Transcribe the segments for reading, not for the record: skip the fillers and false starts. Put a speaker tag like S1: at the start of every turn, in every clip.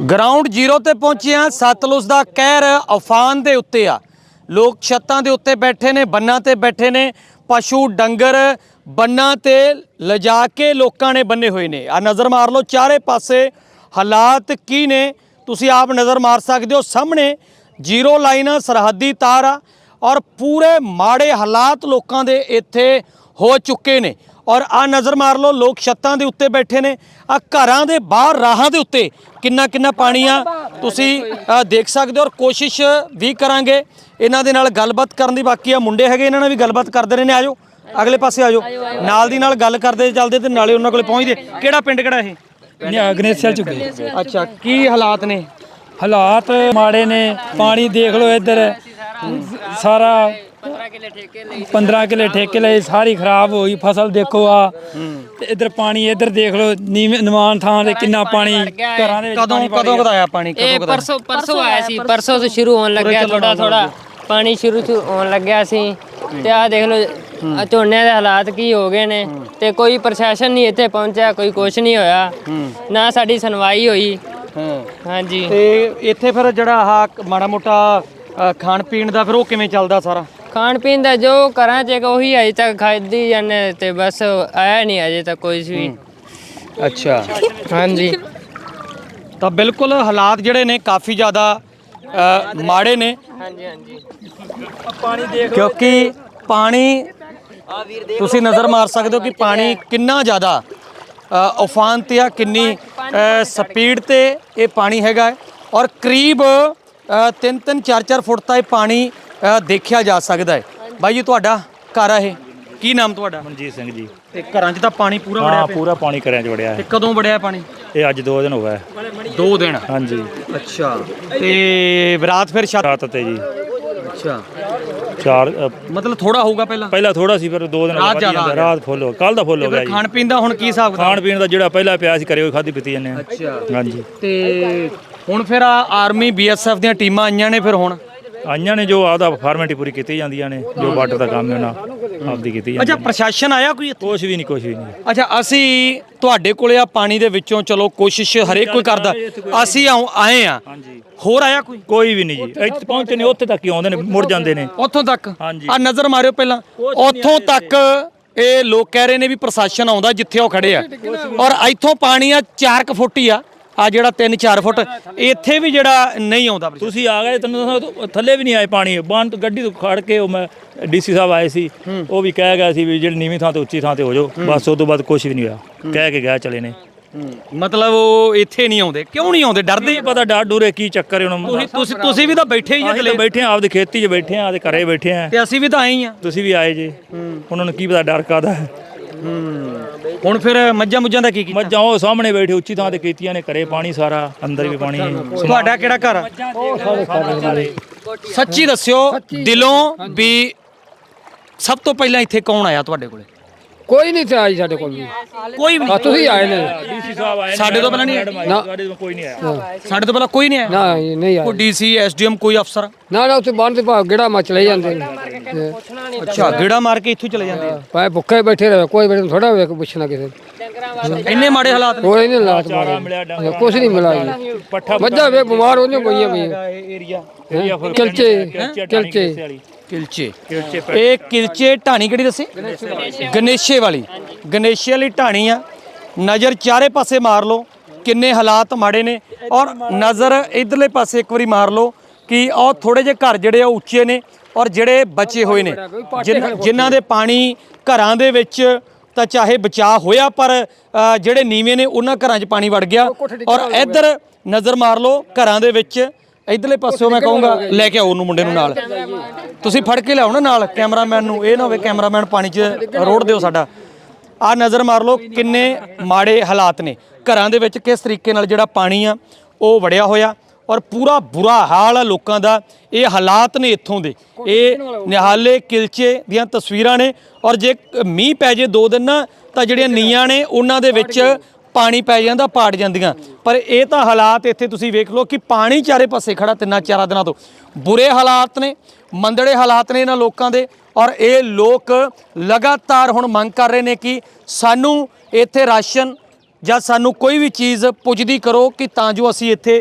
S1: Ground zero ते पहुंचे हैं। सतलुज का कहर अफान के उत्ते आ। लोग छत्तां दे उत्ते बैठे ने, बन्ना ते बैठे ने, पशु डंगर बन्ना ते लिजा के लोगों ने बन्ने हुए ने। आ नज़र मार लो चारे पासे हालात की ने, तुसी आप नज़र मार सकते हो। सामने जीरो लाइन सरहदी तार आ और पूरे माड़े हालात लोगों के इत्थे हो चुके ने। और आ नज़र मार लो लोग छत्तां दे उत्ते बैठे ने, आ घरां दे बाहर राहां दे उत्ते किन्ना किन्ना पानी आ तुसी देख सकते हो। और कोशिश भी करांगे इन्हां दे नाल गलबात करन दी। बाकी आ मुंडे हैगे, इन्हां नाल भी गलबात करदे रहे ने। आजो अगले पासे आजो, नाल दी नाल गल करदे चलदे ते नाले उन्हां कोले पहुंचदे। किहड़ा पिंड किहड़ा ये?
S2: गणेशा झुग्गे।
S1: अच्छा, की हालात ने?
S2: हालात माड़े ने। पानी देख लो इधर सारा 15 किले ठेके लए, सारी खराब हो गई फसल। देखो आ इधर पानी, इधर देख लो निवान थां ते किन्ना पानी घरां दे।
S1: कदों कदाया पानी?
S3: परसों आया सी, परसों से शुरू होने लग गया। थोड़ा थोड़ा पानी शुरू होने लग गया सी ते आ देख लो झोने दे हालात की हो गए ने। ते कोई प्रशासन नहीं इत्थे पहुंचा, कोई कुछ नहीं होया, ना साडी सुनवाई होई। हाँ जी।
S1: ते इत्थे फिर जिहड़ा आह माड़ा मोटा खाण पीण दा फिर ओह किवें चलदा सारा?
S3: खाण पीण दा जो घरां च ਉਹੀ अजे तक खादी जाने ते बस आया नहीं अजे तक कोई भी।
S1: अच्छा,
S3: हाँ जी।
S1: तो बिल्कुल हालात जिहड़े ने काफ़ी ज़्यादा माड़े ने।
S3: हाँ जी, हाँ जी।
S2: पानी देख
S1: क्योंकि पानी तुसी नज़र मार सकते हो कि पानी किन्ना ज़्यादा उफान ते आ, किन्नी स्पीड ते ये पानी हैगा है। और करीब 3-3 4-4 फुट तक पानी देखा जा सकता है। भाई जी तुहाडा घर आ ये, की नाम तुहाडा?
S2: मनजीत सिंह जी।
S1: ते घरां 'च तां पानी पूरा वड़िया
S2: हाँ
S1: पिया?
S2: पूरा पानी घरें च वड़िया
S1: ते
S2: है।
S1: कदों वड़िया पानी?
S2: ये अज 2 दिन हो गए।
S1: 2 दिन?
S2: हाँ जी।
S1: अच्छा, ते रात फिर छत?
S2: रात ते जी
S1: अच्छा,
S2: 4
S1: मतलब थोड़ा होगा पहला
S2: थोड़ा सी, फिर 2 दिन
S1: रात ज़्यादा आ गया।
S2: रात फुੱਲ हो, कल दा फੁੱਲ ਹੋ ਗਿਆ ਜੀ।
S1: खाण पीण दा हुण की हिसाब किताब?
S2: ਖਾਣ ਪੀਣ ਦਾ ਜਿਹੜਾ ਪਹਿਲਾਂ ਪਿਆ ਸੀ ਘਰੇ ਉਹ ਖਾਦੀ ਪੀਤੀ ਜਾਂਦੇ ਆ।
S1: अच्छा,
S2: ਹਾਂਜੀ।
S1: ਤੇ ਹੁਣ ਫਿਰ ਆਰਮੀ BSF ਦੀਆਂ ਟੀਮਾਂ ਆਈਆਂ ਨੇ ਫਿਰ ਹੁਣ?
S2: ਆਈਆਂ ਨੇ, ਜੋ ਆਪਦਾ ਫਾਰਮੈਲਿਟੀ ਪੂਰੀ ਕੀਤੀ ਜਾਂਦੀਆਂ ਨੇ, ਜੋ ਬਾਰਡਰ ਦਾ ਕੰਮ ਹੈ ਉਹਨਾਂ ਆਪਦੀ ਕੀਤੀ ਜਾਂਦੀ।
S1: ਅੱਛਾ, ਪ੍ਰਸ਼ਾਸਨ ਆਇਆ ਕੋਈ ਇੱਥੇ?
S2: ਕੁਛ ਵੀ ਨਹੀਂ।
S1: ਅੱਛਾ, ਅਸੀਂ ਤੁਹਾਡੇ ਕੋਲੇ ਆ ਪਾਣੀ ਦੇ ਵਿੱਚੋਂ ਚਲੋ ਕੋਸ਼ਿਸ਼ ਹਰੇਕ ਕੋਈ ਕਰਦਾ, ਅਸੀਂ ਆਏ ਆ,
S2: ਹਾਂਜੀ।
S1: ਹੋਰ ਆਇਆ
S2: ਕੋਈ ਵੀ ਨਹੀਂ ਜੀ। ਇੱਥੇ ਪਹੁੰਚੇ ਨੇ, ਉੱਥੇ ਤੱਕ ਹੀ ਆਉਂਦੇ ਨੇ, ਮੁੜ ਜਾਂਦੇ ਨੇ
S1: ਉੱਥੋਂ ਤੱਕ?
S2: ਹਾਂਜੀ।
S1: ਆ ਨਜ਼ਰ ਮਾਰਿਓ ਪਹਿਲਾਂ, ਉੱਥੋਂ ਤੱਕ ਇਹ ਲੋਕ ਕਹਿ ਰਹੇ ਨੇ ਵੀ ਪ੍ਰਸ਼ਾਸਨ ਆਉਂਦਾ ਜਿੱਥੇ ਉਹ ਖੜੇ ਆ। ਔਰ ਇੱਥੋਂ ਪਾਣੀ ਆ 4 ਫੁੱਟ ਹੀ ਆ ਜਿਹੜਾ 3-4 ਫੁੱਟ ਇੱਥੇ ਵੀ ਜਿਹੜਾ ਨਹੀਂ ਆਉਂਦਾ।
S2: ਤੁਸੀਂ ਆ ਗਏ, ਤੈਨੂੰ ਦੱਸਾਂ ਥੱਲੇ ਵੀ ਨਹੀਂ ਆਏ ਪਾਣੀ। ਬੰਨ ਤੋਂ ਗੱਡੀ ਤੋਂ ਖੜ ਕੇ ਉਹ ਮੈਂ DC ਸਾਹਿਬ ਆਏ ਸੀ, ਉਹ ਵੀ ਕਹਿ ਗਿਆ ਸੀ ਵੀ ਜਿਹੜੀ ਨੀਵੀਂ ਥਾਂ ਤੇ ਉੱਚੀ ਥਾਂ ਤੇ ਹੋ ਜਾਓ ਬਸ। ਉਸ ਤੋਂ ਬਾਅਦ ਕੁਛ ਵੀ ਨਹੀਂ ਹੋਇਆ, ਕਹਿ ਕੇ ਗਿਆ ਚਲੇ ਨੇ।
S1: ਮਤਲਬ ਉਹ ਇੱਥੇ ਨਹੀਂ ਆਉਂਦੇ? ਕਿਉਂ ਨਹੀਂ ਆਉਂਦੇ? ਡਰਦੇ?
S2: ਪਤਾ ਡਰ ਡੂਰੇ ਕੀ ਚੱਕਰ ਹੈ ਉਹਨਾਂ।
S1: ਤੁਸੀਂ ਵੀ ਤਾਂ ਬੈਠੇ ਹੀ
S2: ਅਸੀਂ ਬੈਠੇ ਆ, ਆਪਦੀ ਖੇਤੀ 'ਚ ਬੈਠੇ ਆ, ਆਪਦੇ ਘਰੇ ਬੈਠੇ ਆ।
S1: ਤੇ ਅਸੀਂ ਵੀ ਤਾਂ ਆਏ ਆ।
S2: ਤੁਸੀਂ ਵੀ ਆਏ ਜੇ, ਉਹਨਾਂ ਨੂੰ ਕੀ ਪਤਾ ਡਰ ਕਾਹਦਾ ਹੈ।
S1: ਹੁਣ ਫਿਰ ਮੱਝਾਂ ਮੁੱਝਾਂ ਦਾ ਕੀ ਕੀਤਾ?
S2: ਮੱਝਾਂ ਉਹ ਸਾਹਮਣੇ ਬੈਠੇ ਉੱਚੀ ਥਾਂ ਤੇ ਕੀਤੀਆਂ ਨੇ, ਘਰੇ ਪਾਣੀ ਸਾਰਾ, ਅੰਦਰ ਵੀ ਪਾਣੀ।
S1: ਤੁਹਾਡਾ ਕਿਹੜਾ ਘਰ ਆ? ਸੱਚੀ ਦੱਸਿਓ ਦਿਲੋਂ ਵੀ ਸਭ ਤੋਂ ਪਹਿਲਾਂ ਇੱਥੇ ਕੌਣ ਆਇਆ ਤੁਹਾਡੇ ਕੋਲੇ?
S4: ਕੋਈ ਨਹੀਂ ਸੀ ਆਈ ਸਾਡੇ ਕੋਲ ਵੀ।
S1: ਕੋਈ ਵੀ ਨਹੀਂ?
S4: ਤੁਸੀਂ ਆਏ ਨੇ?
S2: DC ਸਾਹਿਬ ਆਏ
S1: ਸਾਡੇ ਤੋਂ ਪਹਿਲਾਂ ਨਹੀਂ?
S2: ਸਾਡੇ ਤੋਂ ਕੋਈ ਨਹੀਂ ਆਇਆ।
S1: ਸਾਡੇ ਤੋਂ ਪਹਿਲਾਂ ਕੋਈ ਨਹੀਂ ਆਇਆ?
S4: ਨਾ ਨਹੀਂ ਆਏ।
S1: ਕੋਈ DC SDM ਕੋਈ ਅਫਸਰ?
S4: ਨਾ ਉੱਥੇ ਬੰਦ ਤੇ ਭਾਵ ਗੇੜਾ ਮਾ ਚਲੇ ਜਾਂਦੇ ਨੇ।
S1: ਅੱਛਾ, ਗੇੜਾ ਮਾਰ ਕੇ ਇੱਥੋਂ ਚਲੇ ਜਾਂਦੇ ਆ?
S4: ਭਾਵੇਂ ਭੁੱਖੇ ਬੈਠੇ ਰਹੇ, ਕੋਈ ਬੈਠੇ ਥੋੜਾ ਵੇਖ ਪੁੱਛਣਾ ਕਿਸੇ
S1: ਇੰਨੇ ਮਾੜੇ ਹਾਲਾਤ ਨੇ?
S4: ਕੋਈ ਨਹੀਂ ਲਾਤ ਮਾਰੇ, ਕੁਛ ਨਹੀਂ ਮਿਲਾ ਜੀ।
S2: ਪੱਠਾ
S4: ਮੱਝਾਂ ਵੇ ਬਿਮਾਰ ਹੋਈਆਂ ਪਈਆਂ ਪਈਆਂ।
S1: ਏਰੀਆ
S4: ਕਿਲਚੇ
S1: ਇਹ ਕਿਲਚੇ ਢਾਣੀ ਕਿਹੜੀ ਦੱਸੀ? ਗਣੇਸ਼ੇ ਵਾਲੀ ਢਾਣੀ ਆ। ਨਜ਼ਰ ਚਾਰੇ ਪਾਸੇ ਮਾਰ ਲਓ ਕਿੰਨੇ ਹਾਲਾਤ ਮਾੜੇ ਨੇ। ਔਰ ਨਜ਼ਰ ਇਧਰਲੇ ਪਾਸੇ ਇੱਕ ਵਾਰੀ ਮਾਰ ਲਓ ਕਿ ਉਹ ਥੋੜੇ ਜਿਹੇ ਘਰ ਜਿਹੜੇ ਆ ਉੱਚੇ ਨੇ ਔਰ ਜਿਹੜੇ ਬਚੇ ਹੋਏ ਨੇ, ਜਿਨ੍ਹਾਂ ਦੇ ਪਾਣੀ ਘਰਾਂ ਦੇ ਵਿੱਚ ਤਾਂ ਚਾਹੇ ਬਚਾਅ ਹੋਇਆ, ਪਰ ਜਿਹੜੇ ਨੀਵੇਂ ਨੇ ਉਹਨਾਂ ਘਰਾਂ 'ਚ ਪਾਣੀ ਵੜ ਗਿਆ। ਔਰ ਇੱਧਰ ਨਜ਼ਰ ਮਾਰ ਲਓ ਘਰਾਂ ਦੇ ਵਿੱਚ, ਇਧਰਲੇ ਪਾਸਿਓਂ ਮੈਂ ਕਹੂੰਗਾ ਲੈ ਕੇ ਆਓ ਉਹਨੂੰ, ਮੁੰਡੇ ਨੂੰ ਨਾਲ ਤੁਸੀਂ ਫੜ ਕੇ ਲਿਆਓ ਨਾ ਨਾਲ, ਕੈਮਰਾਮੈਨ ਨੂੰ। ਇਹ ਨਾ ਹੋਵੇ ਕੈਮਰਾਮੈਨ ਪਾਣੀ 'ਚ ਰੋੜ ਦਿਓ ਸਾਡਾ। ਆਹ ਨਜ਼ਰ ਮਾਰ ਲਓ ਕਿੰਨੇ ਮਾੜੇ ਹਾਲਾਤ ਨੇ ਘਰਾਂ ਦੇ ਵਿੱਚ, ਕਿਸ ਤਰੀਕੇ ਨਾਲ ਜਿਹੜਾ ਪਾਣੀ ਆ ਉਹ ਵੜਿਆ ਹੋਇਆ। ਔਰ ਪੂਰਾ ਬੁਰਾ ਹਾਲ ਆ ਲੋਕਾਂ ਦਾ। ਇਹ ਹਾਲਾਤ ਨੇ ਇੱਥੋਂ ਦੇ, ਇਹ ਨਿਹਾਲੇ ਕਿਲਚੇ ਦੀਆਂ ਤਸਵੀਰਾਂ ਨੇ। ਔਰ ਜੇ ਮੀਂਹ ਪੈ ਜੇ 2 ਦਿਨ ਨਾ, ਤਾਂ ਜਿਹੜੀਆਂ ਨੀਆਂ ਨੇ ਉਹਨਾਂ ਦੇ ਵਿੱਚ ਪਾਣੀ ਪੈ ਜਾਂਦਾ, ਪਾੜ ਜਾਂਦੀਆਂ। ਪਰ ਇਹ ਤਾਂ ਹਾਲਾਤ ਇੱਥੇ ਤੁਸੀਂ ਵੇਖ ਲਓ ਕਿ ਪਾਣੀ ਚਾਰੇ ਪਾਸੇ ਖੜਾ 3-4 ਦਿਨਾਂ ਤੋਂ। ਬੁਰੇ ਹਾਲਾਤ ਨੇ, ਮੰਦੜੇ ਹਾਲਾਤ ਨੇ ਇਹਨਾਂ ਲੋਕਾਂ ਦੇ। ਔਰ ਇਹ ਲੋਕ ਲਗਾਤਾਰ ਹੁਣ ਮੰਗ ਕਰ ਰਹੇ ਨੇ ਕਿ ਸਾਨੂੰ ਇੱਥੇ ਰਾਸ਼ਨ ਜਾਂ ਸਾਨੂੰ ਕੋਈ ਵੀ ਚੀਜ਼ ਪੁੱਜਦੀ ਕਰੋ ਕਿ ਤਾਂ ਜੋ ਅਸੀਂ ਇੱਥੇ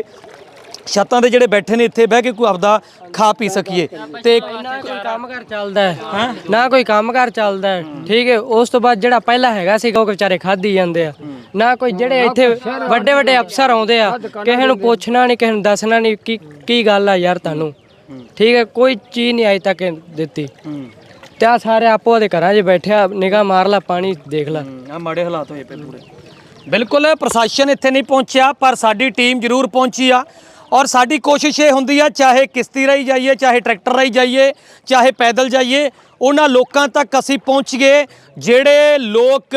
S1: ਛੱਤਾਂ ਦੇ ਜਿਹੜੇ ਬੈਠੇ ਨੇ ਇੱਥੇ ਬਹਿ ਕੇ ਕੋਈ ਆਪਦਾ ਖਾ ਪੀ ਸਕੀਏ। ਤੇ
S5: ਨਾ ਕੋਈ ਕੰਮਕਾਰ ਚੱਲਦਾ ਹੈ ਨਾ ਕੋਈ ਕੰਮਕਾਰ ਚੱਲਦਾ ਹੈ, ਠੀਕ ਹੈ। ਉਸ ਤੋਂ ਬਾਅਦ ਜਿਹੜਾ ਪਹਿਲਾਂ ਹੈਗਾ ਸੀ ਉਹ ਵਿਚਾਰੇ ਖਾਧੀ ਜਾਂਦੇ ਆ, ਨਾ ਕੋਈ ਜਿਹੜੇ ਇੱਥੇ ਵੱਡੇ ਵੱਡੇ ਅਫਸਰ ਆਉਂਦੇ ਆ, ਕਿਸੇ ਨੂੰ ਪੁੱਛਣਾ ਨਹੀਂ, ਕਿਸੇ ਨੂੰ ਦੱਸਣਾ ਨਹੀਂ ਕੀ ਗੱਲ ਆ ਯਾਰ ਤੁਹਾਨੂੰ, ਠੀਕ ਹੈ। ਕੋਈ ਚੀਜ਼ ਨਹੀਂ ਅਜੇ ਤੱਕ ਦਿੱਤੀ ਤੇ ਆ ਸਾਰੇ ਆਪੋ ਦੇ ਘਰਾਂ 'ਚ ਬੈਠਿਆ, ਨਿਗਾਹ ਮਾਰ ਲਾ, ਪਾਣੀ ਦੇਖ ਲਾ।
S1: ਆ ਮਾੜੇ ਹਾਲਾਤ ਹੋਏ ਪਏ ਪੂਰੇ। ਬਿਲਕੁਲ ਪ੍ਰਸ਼ਾਸਨ ਇੱਥੇ ਨਹੀਂ ਪਹੁੰਚਿਆ, ਪਰ ਸਾਡੀ ਟੀਮ ਜ਼ਰੂਰ ਪਹੁੰਚੀ ਆ ਔਰ ਸਾਡੀ ਕੋਸ਼ਿਸ਼ ਇਹ ਹੁੰਦੀ ਆ, ਚਾਹੇ ਕਿਸ਼ਤੀ ਰਾਹੀਂ ਜਾਈਏ, ਚਾਹੇ ਟਰੈਕਟਰ ਰਾਹੀਂ ਜਾਈਏ, ਚਾਹੇ ਪੈਦਲ ਜਾਈਏ, ਉਹਨਾਂ ਲੋਕਾਂ ਤੱਕ ਅਸੀਂ ਪਹੁੰਚ ਗਏ ਜਿਹੜੇ ਲੋਕ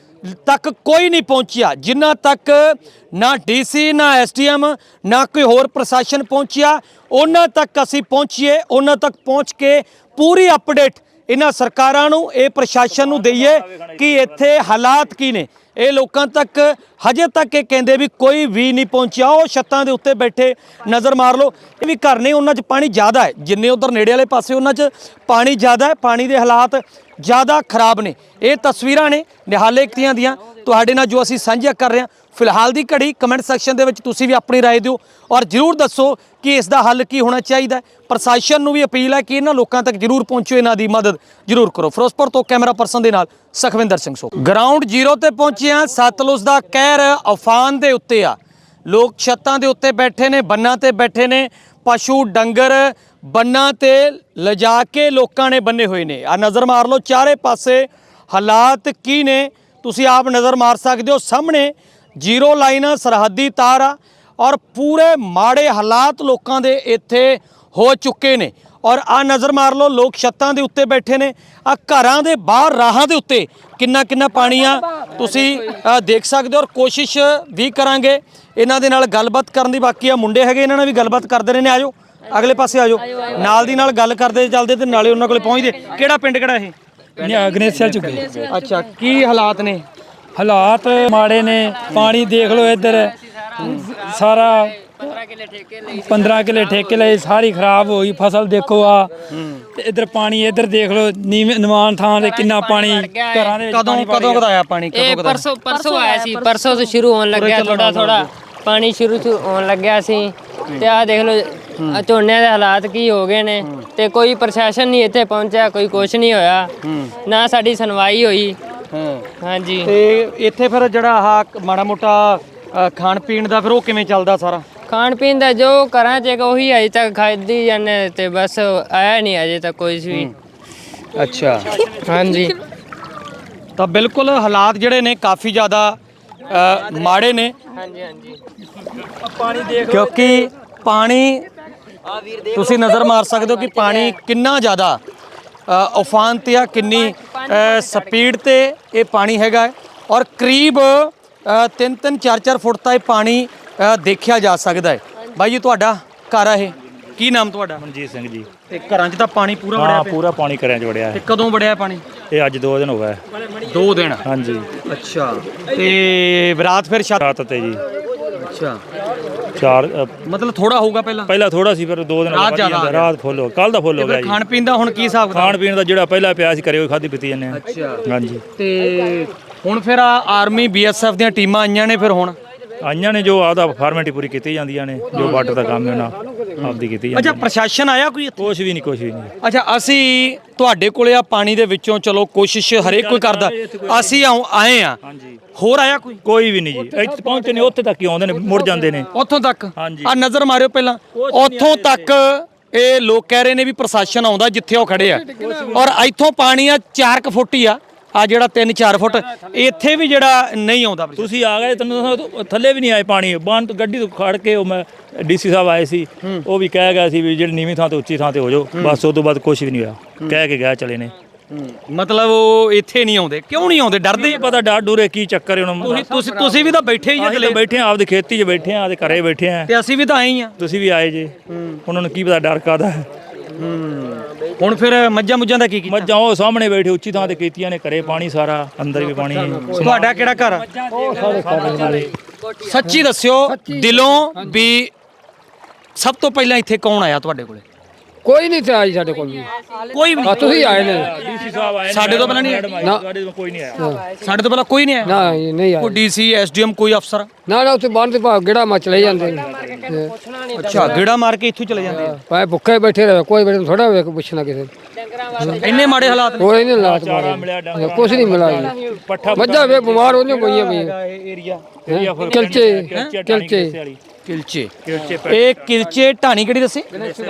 S1: ਤੱਕ ਕੋਈ ਨਹੀਂ ਪਹੁੰਚਿਆ, ਜਿਨ੍ਹਾਂ ਤੱਕ ਨਾ ਡੀਸੀ, ਨਾ ਐਸਡੀਐਮ, ਨਾ ਕੋਈ ਹੋਰ ਪ੍ਰਸ਼ਾਸਨ ਪਹੁੰਚਿਆ। ਉਹਨਾਂ ਤੱਕ ਅਸੀਂ ਪਹੁੰਚੀਏ, ਉਹਨਾਂ ਤੱਕ ਪਹੁੰਚ ਕੇ ਪੂਰੀ ਅਪਡੇਟ ਇਹਨਾਂ ਸਰਕਾਰਾਂ ਨੂੰ, ਇਹ ਪ੍ਰਸ਼ਾਸਨ ਨੂੰ ਦਈਏ ਕਿ ਇੱਥੇ ਹਾਲਾਤ ਕੀ ਨੇ। ਇਹ ਲੋਕਾਂ ਤੱਕ ਹਜੇ ਤੱਕ ਇਹ ਕਹਿੰਦੇ ਵੀ ਕੋਈ ਵੀ ਨਹੀਂ ਪਹੁੰਚਿਆ। ਉਹ ਛੱਤਾਂ ਦੇ ਉੱਤੇ ਬੈਠੇ ਨਜ਼ਰ ਮਾਰ ਲਓ, ਇਹ ਵੀ ਘਰ ਨੇ, ਉਹਨਾਂ 'ਚ ਪਾਣੀ ਜ਼ਿਆਦਾ ਹੈ, ਜਿੰਨੇ ਉਧਰ ਨੇੜੇ ਵਾਲੇ ਪਾਸੇ ਉਹਨਾਂ 'ਚ ਪਾਣੀ ਜ਼ਿਆਦਾ ਹੈ, ਪਾਣੀ ਦੇ ਹਾਲਾਤ ਜ਼ਿਆਦਾ ਖਰਾਬ ਨੇ। ਇਹ ਤਸਵੀਰਾਂ ਨੇ ਨਿਹਾਲੇ ਕਿਤਿਆਂ ਦੀਆਂ ਤੁਹਾਡੇ ਨਾਲ ਜੋ ਅਸੀਂ ਸਾਂਝਾ ਕਰ ਰਹੇ ਹਾਂ। ਫਿਲਹਾਲ ਦੀ ਘੜੀ ਕਮੈਂਟ ਸੈਕਸ਼ਨ ਦੇ ਵਿੱਚ ਤੁਸੀਂ ਵੀ ਆਪਣੀ ਰਾਏ ਦਿਓ ਔਰ ਜ਼ਰੂਰ ਦੱਸੋ ਕਿ ਇਸ ਦਾ ਹੱਲ ਕੀ ਹੋਣਾ ਚਾਹੀਦਾ ਹੈ। ਪ੍ਰਸ਼ਾਸਨ ਨੂੰ ਵੀ ਅਪੀਲ ਹੈ ਕਿ ਇਹਨਾਂ ਲੋਕਾਂ ਤੱਕ ਜ਼ਰੂਰ ਪਹੁੰਚੋ, ਇਹਨਾਂ ਦੀ ਮਦਦ ਜ਼ਰੂਰ ਕਰੋ। ਫਿਰੋਜ਼ਪੁਰ ਤੋਂ ਕੈਮਰਾ ਪਰਸਨ ਦੇ ਨਾਲ ਸੁਖਵਿੰਦਰ ਸਿੰਘ ਸੋ। ਗਰਾਊਂਡ ਜ਼ੀਰੋ ਤੇ ਪਹੁੰਚੇ ਹਾਂ। ਸਤਲੁਜ ਦਾ ਕਹਿਰ ਅਫਾਨ ਦੇ ਉੱਤੇ ਆ। ਲੋਕ ਛੱਤਾਂ ਦੇ ਉੱਤੇ ਬੈਠੇ ਨੇ, ਬੰਨਾਂ ਤੇ ਬੈਠੇ ਨੇ, ਪਸ਼ੂ ਡੰਗਰ ਬੰਨਾਂ ਤੇ ਲਿਜਾ ਕੇ ਲੋਕਾਂ ਨੇ ਬੰਨੇ ਹੋਏ ਨੇ। ਆ ਨਜ਼ਰ ਮਾਰ ਲਓ ਚਾਰੇ ਪਾਸੇ ਹਾਲਾਤ ਕੀ ਨੇ, ਤੁਸੀਂ ਆਪ ਨਜ਼ਰ ਮਾਰ ਸਕਦੇ ਹੋ। ਸਾਹਮਣੇ ਜ਼ੀਰੋ ਲਾਈਨ ਸਰਹੱਦੀ ਤਾਰ ਆ ਔਰ ਪੂਰੇ ਮਾੜੇ ਹਾਲਾਤ ਲੋਕਾਂ ਦੇ ਇੱਥੇ ਹੋ ਚੁੱਕੇ ਨੇ। ਔਰ ਆ ਨਜ਼ਰ ਮਾਰ ਲਓ, ਲੋਕ ਛੱਤਾਂ ਦੇ ਉੱਤੇ ਬੈਠੇ ਨੇ। ਆ ਘਰਾਂ ਦੇ ਬਾਹਰ ਰਾਹਾਂ ਦੇ ਉੱਤੇ ਕਿੰਨਾ ਪਾਣੀ ਆ ਤੁਸੀਂ ਦੇਖ ਸਕਦੇ ਹੋ। ਔਰ ਕੋਸ਼ਿਸ਼ ਵੀ ਕਰਾਂਗੇ ਇਹਨਾਂ ਦੇ ਨਾਲ ਗੱਲਬਾਤ ਕਰਨ ਦੀ, ਬਾਕੀ ਆ ਮੁੰਡੇ ਹੈਗੇ, ਇਹਨਾਂ ਨਾਲ ਵੀ ਗੱਲਬਾਤ ਕਰਦੇ ਰਹੇ ਨੇ। ਆਜੋ ਅਗਲੇ ਪਾਸੇ ਆਜੋ, ਨਾਲ ਦੀ ਨਾਲ ਗੱਲ ਕਰਦੇ ਚੱਲਦੇ ਤੇ ਨਾਲੇ ਉਹਨਾਂ ਕੋਲੇ ਪਹੁੰਚਦੇ। ਕਿਹੜਾ ਪਿੰਡ ਕਿਹੜਾ ਇਹ?
S2: ਗਨੇਸ਼ੀਆ ਚੁੱਕੇ।
S1: ਅੱਛਾ, ਕੀ ਹਾਲਾਤ ਨੇ?
S2: ਹਾਲਾਤ ਮਾੜੇ ਨੇ, ਪਾਣੀ ਦੇਖ ਲਓ ਇੱਧਰ ਸਾਰਾ 15 ਕਿੱਲੇ ਠੇਕੇ ਲਏ, ਸਾਰੀ ਖਰਾਬ ਹੋਈ ਫਸਲ। ਦੇਖੋ ਆ ਤੇ ਇੱਧਰ ਪਾਣੀ, ਇੱਧਰ ਦੇਖ ਲਓ ਨਿਮਾਨ ਥਾਂ ਤੇ ਕਿੰਨਾ ਪਾਣੀ ਘਰਾਂ ਦੇ ਵਿੱਚ।
S1: ਕਦੋਂ ਆਇਆ ਪਾਣੀ?
S3: ਇਹ ਪਰਸੋਂ ਆਇਆ ਸੀ, ਪਰਸੋਂ ਤੋਂ ਸ਼ੁਰੂ ਹੋਣ ਲੱਗਿਆ, ਥੋੜਾ ਪਾਣੀ ਸ਼ੁਰੂ ਹੋਣ ਲੱਗਿਆ ਸੀ। ਤੇ ਆ ਦੇਖ ਲਓ ਝੋਨੇ ਦੇ ਹਾਲਾਤ ਕੀ ਹੋ ਗਏ ਨੇ। ਤੇ ਕੋਈ ਪ੍ਰਸ਼ਾਸਨ ਨਹੀਂ ਇੱਥੇ ਪਹੁੰਚਿਆ, ਕੋਈ ਕੁਛ ਨਹੀਂ ਹੋਇਆ, ਨਾ ਸਾਡੀ ਸੁਣਵਾਈ ਹੋਈ। ਹਾਂਜੀ,
S1: ਤੇ ਇੱਥੇ ਫਿਰ ਜਿਹੜਾ ਆਹ ਮਾੜਾ ਮੋਟਾ ਖਾਣ ਪੀਣ ਦਾ ਫਿਰ ਉਹ ਕਿਵੇਂ ਚੱਲਦਾ ਸਾਰਾ?
S3: ਖਾਣ ਪੀਣ ਦਾ ਜੋ ਘਰਾਂ 'ਚ ਉਹੀ ਅਜੇ ਤੱਕ ਖਾਦੀ ਜਾਂਦੇ ਤੇ ਬਸ, ਆਇਆ ਨਹੀਂ ਅਜੇ ਤੱਕ ਕੋਈ ਵੀ।
S1: ਅੱਛਾ,
S3: ਹਾਂਜੀ,
S1: ਤਾਂ ਬਿਲਕੁਲ ਹਾਲਾਤ ਜਿਹੜੇ ਨੇ ਕਾਫੀ ਜ਼ਿਆਦਾ ਮਾੜੇ ਨੇ।
S3: ਹਾਂਜੀ
S2: ਪਾਣੀ ਦੇਖ
S1: ਕਿਉਂਕਿ ਪਾਣੀ ਤੁਸੀਂ ਨਜ਼ਰ ਮਾਰ ਸਕਦੇ ਹੋ ਕਿ ਪਾਣੀ ਕਿੰਨਾ ਜ਼ਿਆਦਾ ਉਫਾਨ ਤੇ ਆ, ਕਿੰਨੀ ਸਪੀਡ ਤੇ ਇਹ ਪਾਣੀ ਹੈਗਾ। ਔਰ ਕਰੀਬ 3-3 4-4 ਫੁੱਟ ਤਾਂ ਇਹ ਪਾਣੀ ਦੇਖਿਆ ਜਾ ਸਕਦਾ ਹੈ। ਬਾਈ ਜੀ ਤੁਹਾਡਾ ਘਰ ਆ ਇਹ, ਕੀ ਨਾਮ ਤੁਹਾਡਾ?
S6: ਮਨਜੀਤ ਸਿੰਘ ਜੀ।
S1: ਤੇ ਘਰਾਂ 'ਚ ਤਾਂ ਪਾਣੀ ਪੂਰਾ ਵੜਿਆ ਪਿਆ?
S6: ਪੂਰਾ ਪਾਣੀ ਘਰਾਂ 'ਚ ਵੜਿਆ
S1: ਤੇ
S6: ਹੈ।
S1: ਕਦੋਂ ਵੜਿਆ ਪਾਣੀ?
S6: ਇਹ ਅੱਜ 2 ਦਿਨ ਹੋ ਗਏ।
S1: 2 ਦਿਨ?
S6: ਹਾਂਜੀ,
S1: ਅੱਛਾ, ਤੇ ਰਾਤ ਫਿਰ
S6: ਰਾਤ ਤੇ ਜੀ।
S1: ਅੱਛਾ,
S6: 4
S1: ਮਤਲਬ ਥੋੜਾ ਹੋਊਗਾ ਪਹਿਲਾਂ
S6: ਥੋੜਾ ਸੀ, ਫਿਰ 2 ਦਿਨ
S1: ਰਾਤ ਜ਼ਿਆਦਾ ਆ ਗਿਆ।
S6: ਰਾਤ ਫੁੱਲ ਹੋ, ਕੱਲ ਦਾ ਫੁੱਲ ਹੋ ਗਿਆ ਜੀ।
S1: ਖਾਣ ਪੀਣ ਦਾ ਹੁਣ ਕੀ ਹਿਸਾਬ ਕਿਤਾਬ?
S6: ਖਾਣ ਪੀਣ ਦਾ ਜਿਹੜਾ ਪਹਿਲਾਂ ਪਿਆ ਸੀ ਘਰੇ ਉਹ ਖਾਧੀ ਪੀਤੀ ਜਾਂਦੇ ਆ।
S1: ਅੱਛਾ,
S6: ਹਾਂਜੀ,
S1: ਤੇ ਹੁਣ ਫਿਰ ਆਰਮੀ BSF ਦੀਆਂ ਟੀਮਾਂ ਆਈਆਂ ਨੇ, ਫਿਰ ਹੁਣ
S6: ਆਈਆਂ ਨੇ ਜੋ ਆਪਦਾ ਫਾਰਮੈਲਿਟੀ ਪੂਰੀ ਕੀਤੀ ਜਾਂਦੀਆਂ ਨੇ, ਜੋ ਵਾਟਰ ਦਾ ਕੰਮ ਹੈ ਉਹਨਾਂ ਆਪਦੀ ਕੀਤੀ ਜਾਂਦੀ।
S1: ਅੱਛਾ, ਪ੍ਰਸ਼ਾਸਨ ਆਇਆ ਕੋਈ ਇੱਥੇ?
S6: ਕੁਛ ਵੀ ਨਹੀਂ।
S1: ਅੱਛਾ, ਅਸੀਂ ਤੁਹਾਡੇ ਕੋਲੇ ਆ ਪਾਣੀ ਦੇ ਵਿੱਚੋਂ, ਚਲੋ ਕੋਸ਼ਿਸ਼ ਹਰੇਕ ਕੋਈ ਕਰਦਾ, ਅਸੀਂ ਆਏ ਆ, ਹੋਰ ਆਇਆ
S6: ਕੋਈ ਵੀ ਨਹੀਂ ਜੀ। ਇੱਥੇ ਪਹੁੰਚੇ ਨੇ, ਉੱਥੇ ਤੱਕ ਹੀ ਆਉਂਦੇ ਨੇ, ਮੁੜ ਜਾਂਦੇ ਨੇ
S1: ਉੱਥੋਂ ਤੱਕ।
S6: ਹਾਂਜੀ।
S1: ਆ ਨਜ਼ਰ ਮਾਰਿਓ ਪਹਿਲਾਂ, ਉੱਥੋਂ ਤੱਕ ਇਹ ਲੋਕ ਕਹਿ ਰਹੇ ਨੇ ਵੀ ਪ੍ਰਸ਼ਾਸਨ ਆਉਂਦਾ ਜਿੱਥੇ ਉਹ ਖੜੇ ਆ। ਔਰ ਇੱਥੋਂ ਪਾਣੀ ਆ 4 ਫੁੱਟ ਹੀ ਆ ਜਿਹੜਾ 3-4 ਫੁੱਟ, ਇੱਥੇ ਵੀ ਜਿਹੜਾ ਨਹੀਂ ਆਉਂਦਾ।
S6: ਤੁਸੀਂ ਆ ਗਏ, ਤੈਨੂੰ ਥੱਲੇ ਵੀ ਨਹੀਂ ਆਏ ਪਾਣੀ। ਬੰਨ ਤੋਂ ਗੱਡੀ ਤੋਂ ਖੜ ਕੇ ਉਹ ਮੈਂ DC ਸਾਹਿਬ ਆਏ ਸੀ, ਉਹ ਵੀ ਕਹਿ ਗਿਆ ਸੀ ਵੀ ਜਿਹੜੀ ਨੀਵੀਂ ਥਾਂ ਤੇ ਉੱਚੀ ਥਾਂ ਤੇ ਹੋ ਜਾਓ। ਬਸ ਉਸ ਤੋਂ ਬਾਅਦ ਕੁਛ ਵੀ ਨਹੀਂ ਹੋਇਆ, ਕਹਿ ਕੇ ਗਿਆ ਚਲੇ ਨੇ।
S1: ਮਤਲਬ ਉਹ ਇੱਥੇ ਨਹੀਂ ਆਉਂਦੇ? ਕਿਉਂ ਨਹੀਂ ਆਉਂਦੇ? ਡਰਦੇ?
S6: ਪਤਾ ਡਰ ਡੂਰੇ ਕੀ ਚੱਕਰ ਹੈ ਉਹਨਾਂ ਨੂੰ।
S1: ਤੁਸੀਂ ਵੀ ਤਾਂ ਬੈਠੇ ਹੀ
S6: ਅਗਲੇ ਬੈਠੇ ਆ, ਆਪਦੀ ਖੇਤੀ 'ਚ ਬੈਠੇ ਆ, ਆਪਦੇ ਘਰੇ ਬੈਠੇ ਆ,
S1: ਤੇ ਅਸੀਂ ਵੀ ਤਾਂ ਆਏ ਹੀ ਆ।
S6: ਤੁਸੀਂ ਵੀ ਆਏ ਜੇ, ਉਹਨਾਂ ਨੂੰ ਕੀ ਪਤਾ ਡਰ ਕਾਹਦਾ ਹੈ।
S1: ਹੁਣ ਫਿਰ ਮੱਝਾਂ ਮੁੱਝਾਂ ਦਾ ਕੀ ਕੀਤਾ?
S6: ਮੱਝਾਂ ਉਹ ਸਾਹਮਣੇ ਬੈਠੇ ਉੱਚੀ ਥਾਂ ਤੇ ਕੀਤੀਆਂ ਨੇ, ਘਰੇ ਪਾਣੀ ਸਾਰਾ, ਅੰਦਰ ਵੀ ਪਾਣੀ ਹੈ।
S1: ਤੁਹਾਡਾ ਕਿਹੜਾ ਘਰ ਆ? ਸੱਚੀ ਦੱਸਿਓ ਦਿਲੋਂ ਵੀ ਸਭ ਤੋਂ ਪਹਿਲਾਂ ਇੱਥੇ ਕੌਣ ਆਇਆ ਤੁਹਾਡੇ ਕੋਲੇ?
S4: ਕੋਈ ਨਹੀਂ ਤੇ ਆਈ ਸਾਡੇ ਕੋਲ ਵੀ
S1: ਕੋਈ ਵੀ
S4: ਆ ਤੁਸੀਂ ਆਏ ਨੇ
S6: ਡੀਸੀ ਸਾਹਿਬ ਆਏ
S1: ਸਾਡੇ ਤੋਂ ਪਹਿਲਾਂ ਨਹੀਂ
S6: ਸਾਡੇ ਤੋਂ ਕੋਈ ਨਹੀਂ ਆਇਆ
S1: ਸਾਡੇ ਤੋਂ ਪਹਿਲਾਂ ਕੋਈ ਨਹੀਂ ਆਇਆ
S4: ਨਾ ਇਹ ਨਹੀਂ ਆਏ
S1: ਕੋਈ ਡੀਸੀ ਐਸਡੀਐਮ ਕੋਈ ਅਫਸਰ
S4: ਨਾ ਉੱਥੇ ਬੰਨ ਤੇ ਭਾਗ ਗੇੜਾ ਮਾ ਚਲੇ ਜਾਂਦੇ ਨੇ ਤੇ
S1: ਅੱਛਾ ਗੇੜਾ ਮਾਰ ਕੇ ਇੱਥੋਂ ਚਲੇ ਜਾਂਦੇ ਆ
S4: ਭਾਵੇਂ ਭੁੱਖੇ ਬੈਠੇ ਰਹੇ ਕੋਈ ਬੈਠੇ ਥੋੜਾ ਵੇਖ ਪੁੱਛਣਾ ਕਿਸੇ ਨੂੰ।
S1: ਇੰਨੇ ਮਾੜੇ ਹਾਲਾਤ ਨੇ
S4: ਕੋਈ ਨਹੀਂ ਲਾਤ
S6: ਚਾਰਾ ਮਿਲਿਆ ਡੰਗਰ
S4: ਕੁਛ ਨਹੀਂ ਮਿਲਾ ਜੀ
S6: ਪੱਠਾ
S4: ਮੱਝਾਂ ਵੇ ਬਿਮਾਰ ਹੋਈਆਂ ਪਈਆਂ ਵੀ
S1: ਏਰੀਆ
S4: ਕਿਲਚੇ
S1: ਕਿਲਚੇ ਇਹ ਕਿਲਚੇ ਢਾਣੀ ਕਿਹੜੀ ਦੱਸੀ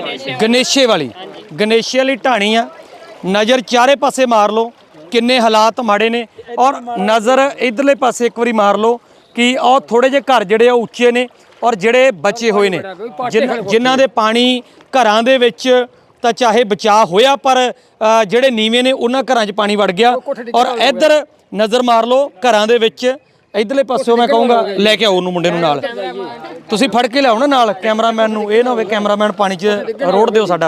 S1: ਗਣੇਸ਼ੇ ਵਾਲੀ ਗਣੇਸ਼ੇ ਵਾਲੀ ਢਾਣੀ ਆ ਨਜ਼ਰ ਚਾਰੇ ਪਾਸੇ ਮਾਰ ਲਓ ਕਿੰਨੇ ਹਾਲਾਤ ਮਾੜੇ ਨੇ ਔਰ ਨਜ਼ਰ ਇਧਰਲੇ ਪਾਸੇ ਇੱਕ ਵਾਰੀ ਮਾਰ ਲਓ ਕਿ ਉਹ ਥੋੜੇ ਜਿਹੇ ਘਰ ਜਿਹੜੇ ਆ ਉੱਚੇ ਨੇ ਔਰ ਜਿਹੜੇ ਬਚੇ ਹੋਏ ਨੇ ਜਿਨ੍ਹਾਂ ਦੇ ਪਾਣੀ ਘਰਾਂ ਦੇ ਵਿੱਚ ਤਾਂ ਚਾਹੇ ਬਚਾਅ ਹੋਇਆ ਪਰ ਜਿਹੜੇ ਨੀਵੇਂ ਨੇ ਉਹਨਾਂ ਘਰਾਂ 'ਚ ਪਾਣੀ ਵੜ ਗਿਆ ਔਰ ਇੱਧਰ ਨਜ਼ਰ ਮਾਰ ਲਓ ਘਰਾਂ ਦੇ ਵਿੱਚ ਇਧਰਲੇ ਪਾਸਿਓਂ ਮੈਂ ਕਹੂੰਗਾ ਲੈ ਕੇ ਆਓ ਉਹਨੂੰ ਮੁੰਡੇ ਨੂੰ ਨਾਲ ਤੁਸੀਂ ਫੜ ਕੇ ਲਿਆਓ ਨਾ ਨਾਲ ਕੈਮਰਾਮੈਨ ਨੂੰ ਇਹ ਨਾ ਹੋਵੇ ਕੈਮਰਾਮੈਨ ਪਾਣੀ 'ਚ ਰੋੜ ਦਿਓ ਸਾਡਾ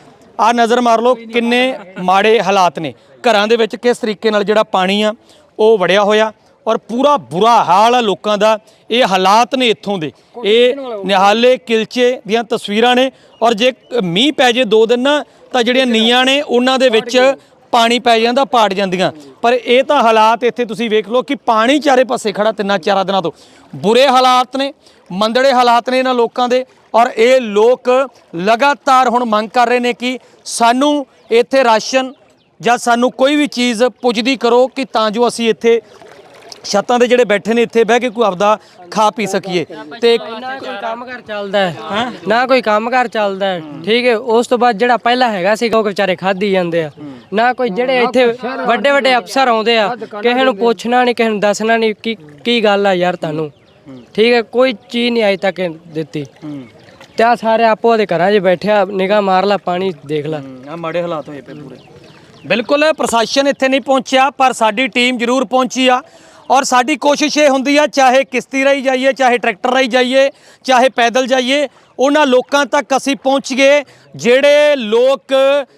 S1: ਆ ਨਜ਼ਰ ਮਾਰ ਲਓ ਕਿੰਨੇ ਮਾੜੇ ਹਾਲਾਤ ਨੇ ਘਰਾਂ ਦੇ ਵਿੱਚ ਕਿਸ ਤਰੀਕੇ ਨਾਲ ਜਿਹੜਾ ਪਾਣੀ ਆ ਉਹ ਵੜਿਆ ਹੋਇਆ ਔਰ ਪੂਰਾ ਬੁਰਾ ਹਾਲ ਆ ਲੋਕਾਂ ਦਾ ਇਹ ਹਾਲਾਤ ਨੇ ਇੱਥੋਂ ਦੇ ਇਹ ਨਿਹਾਲੇ ਕਿਲਚੇ ਦੀਆਂ ਤਸਵੀਰਾਂ ਨੇ ਔਰ ਜੇ ਮੀਂਹ ਪੈ ਜੇ 2 ਦਿਨ ਨਾ ਤਾਂ ਜਿਹੜੀਆਂ ਨੀਆਂ ਨੇ ਉਹਨਾਂ ਦੇ ਵਿੱਚ ਪਾਣੀ ਪੈ ਜਾਂਦਾ ਪਾੜ ਜਾਂਦੀਆਂ ਪਰ ਇਹ ਤਾਂ ਹਾਲਾਤ ਇੱਥੇ ਤੁਸੀਂ ਵੇਖ ਲਓ ਕਿ ਪਾਣੀ ਚਾਰੇ ਪਾਸੇ ਖੜਾ 3-4 ਦਿਨਾਂ ਤੋਂ ਬੁਰੇ ਹਾਲਾਤ ਨੇ ਮੰਦੜੇ ਹਾਲਾਤ ਨੇ ਇਹਨਾਂ ਲੋਕਾਂ ਦੇ ਔਰ ਇਹ ਲੋਕ ਲਗਾਤਾਰ ਹੁਣ ਮੰਗ ਕਰ ਰਹੇ ਨੇ ਕਿ ਸਾਨੂੰ ਇੱਥੇ ਰਾਸ਼ਨ ਜਾਂ ਸਾਨੂੰ ਕੋਈ ਵੀ ਚੀਜ਼ ਪੁੱਜਦੀ ਕਰੋ ਕਿ ਤਾਂ ਜੋ ਅਸੀਂ ਇੱਥੇ ਛੱਤਾਂ ਦੇ ਜਿਹੜੇ ਬੈਠੇ ਨੇ ਇੱਥੇ ਬਹਿ ਕੇ ਕੋਈ ਆਪਦਾ ਖਾ ਪੀ ਸਕੀਏ ਤੇ
S5: ਨਾ ਕੋਈ ਕੰਮਕਾਰ ਚੱਲਦਾ ਹੈ ਨਾ ਕੋਈ ਕੰਮਕਾਰ ਚੱਲਦਾ ਹੈ ਠੀਕ ਹੈ ਉਸ ਤੋਂ ਬਾਅਦ ਜਿਹੜਾ ਪਹਿਲਾਂ ਹੈਗਾ ਸੀਗਾ ਉਹ ਵਿਚਾਰੇ ਖਾਧੀ ਜਾਂਦੇ ਆ ਨਾ ਕੋਈ ਜਿਹੜੇ ਇੱਥੇ ਵੱਡੇ ਵੱਡੇ ਅਫਸਰ ਆਉਂਦੇ ਆ ਕਿਸੇ ਨੂੰ ਪੁੱਛਣਾ ਨਹੀਂ ਕਿਸੇ ਨੂੰ ਦੱਸਣਾ ਨਹੀਂ ਕੀ ਗੱਲ ਆ ਯਾਰ ਤੁਹਾਨੂੰ ਠੀਕ ਹੈ ਕੋਈ ਚੀਜ਼ ਨਹੀਂ ਅਜੇ ਤੱਕ ਦਿੱਤੀ ਤੇ ਆ ਸਾਰੇ ਆਪੋ ਦੇ ਘਰਾਂ 'ਚ ਬੈਠਿਆ ਨਿਗਾਹ ਮਾਰ ਲਾ ਪਾਣੀ ਦੇਖ ਲਾ
S1: ਆ ਮਾੜੇ ਹਾਲਾਤ ਹੋਏ ਪਏ ਪੂਰੇ ਬਿਲਕੁਲ ਪ੍ਰਸ਼ਾਸਨ ਇੱਥੇ ਨਹੀਂ ਪਹੁੰਚਿਆ ਪਰ ਸਾਡੀ ਟੀਮ ਜ਼ਰੂਰ ਪਹੁੰਚੀ ਆ ਔਰ ਸਾਡੀ ਕੋਸ਼ਿਸ਼ ਇਹ ਹੁੰਦੀ ਆ ਚਾਹੇ ਕਿਸ਼ਤੀ ਰਾਹੀਂ ਜਾਈਏ ਚਾਹੇ ਟਰੈਕਟਰ ਰਾਹੀਂ ਜਾਈਏ ਚਾਹੇ ਪੈਦਲ ਜਾਈਏ ਉਹਨਾਂ ਲੋਕਾਂ ਤੱਕ ਅਸੀਂ ਪਹੁੰਚੀਏ ਜਿਹੜੇ ਲੋਕ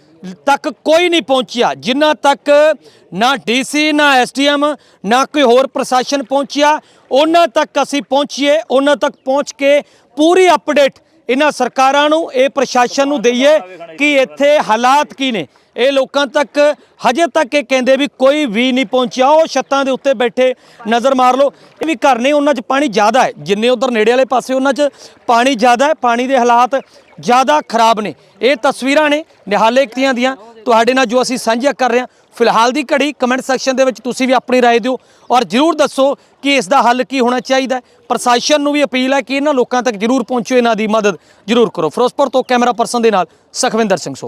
S1: ਤੱਕ ਕੋਈ ਨਹੀਂ ਪਹੁੰਚਿਆ ਜਿਨ੍ਹਾਂ ਤੱਕ ਨਾ ਡੀਸੀ ਨਾ ਐਸਡੀਐਮ ਨਾ ਕੋਈ ਹੋਰ ਪ੍ਰਸ਼ਾਸਨ ਪਹੁੰਚਿਆ ਉਹਨਾਂ ਤੱਕ ਅਸੀਂ ਪਹੁੰਚੀਏ ਉਹਨਾਂ ਤੱਕ ਪਹੁੰਚ ਕੇ ਪੂਰੀ ਅਪਡੇਟ ਇਹਨਾਂ ਸਰਕਾਰਾਂ ਨੂੰ ਇਹ ਪ੍ਰਸ਼ਾਸਨ ਨੂੰ ਦਈਏ ਕਿ ਇੱਥੇ ਹਾਲਾਤ ਕੀ ਨੇ ਇਹ ਲੋਕਾਂ ਤੱਕ ਹਜੇ ਤੱਕ ਇਹ ਕਹਿੰਦੇ ਵੀ ਕੋਈ ਵੀ ਨਹੀਂ ਪਹੁੰਚਿਆ ਉਹ ਛੱਤਾਂ ਦੇ ਉੱਤੇ ਬੈਠੇ ਨਜ਼ਰ ਮਾਰ ਲਓ ਇਹ ਵੀ ਘਰ ਨੇ ਉਹਨਾਂ 'ਚ ਪਾਣੀ ਜ਼ਿਆਦਾ ਹੈ ਜਿੰਨੇ ਉਧਰ ਨੇੜੇ ਵਾਲੇ ਪਾਸੇ ਉਹਨਾਂ 'ਚ ਪਾਣੀ ਜ਼ਿਆਦਾ ਹੈ ਪਾਣੀ ਦੇ ਹਾਲਾਤ ਜ਼ਿਆਦਾ ਖਰਾਬ ਨੇ ਇਹ ਤਸਵੀਰਾਂ ਨੇ ਨਿਹਾਲੇ ਕਿਤਿਆਂ ਦੀਆਂ ਤੁਹਾਡੇ ਨਾਲ ਜੋ ਅਸੀਂ ਸਾਂਝਾ ਕਰ ਰਹੇ ਹਾਂ ਫਿਲਹਾਲ ਦੀ ਘੜੀ ਕਮੈਂਟ ਸੈਕਸ਼ਨ ਦੇ ਵਿੱਚ ਤੁਸੀਂ ਵੀ ਆਪਣੀ ਰਾਏ ਦਿਓ ਔਰ ਜ਼ਰੂਰ ਦੱਸੋ ਕਿ ਇਸ ਦਾ ਹੱਲ ਕੀ ਹੋਣਾ ਚਾਹੀਦਾ ਪ੍ਰਸ਼ਾਸਨ ਨੂੰ ਵੀ ਅਪੀਲ ਹੈ ਕਿ ਇਹਨਾਂ ਲੋਕਾਂ ਤੱਕ ਜ਼ਰੂਰ ਪਹੁੰਚੋ ਇਹਨਾਂ ਦੀ ਮਦਦ ਜ਼ਰੂਰ ਕਰੋ ਫਿਰੋਜ਼ਪੁਰ ਤੋਂ ਕੈਮਰਾ ਪਰਸਨ ਦੇ ਨਾਲ ਸੁਖਵਿੰਦਰ ਸਿੰਘ ਸੋ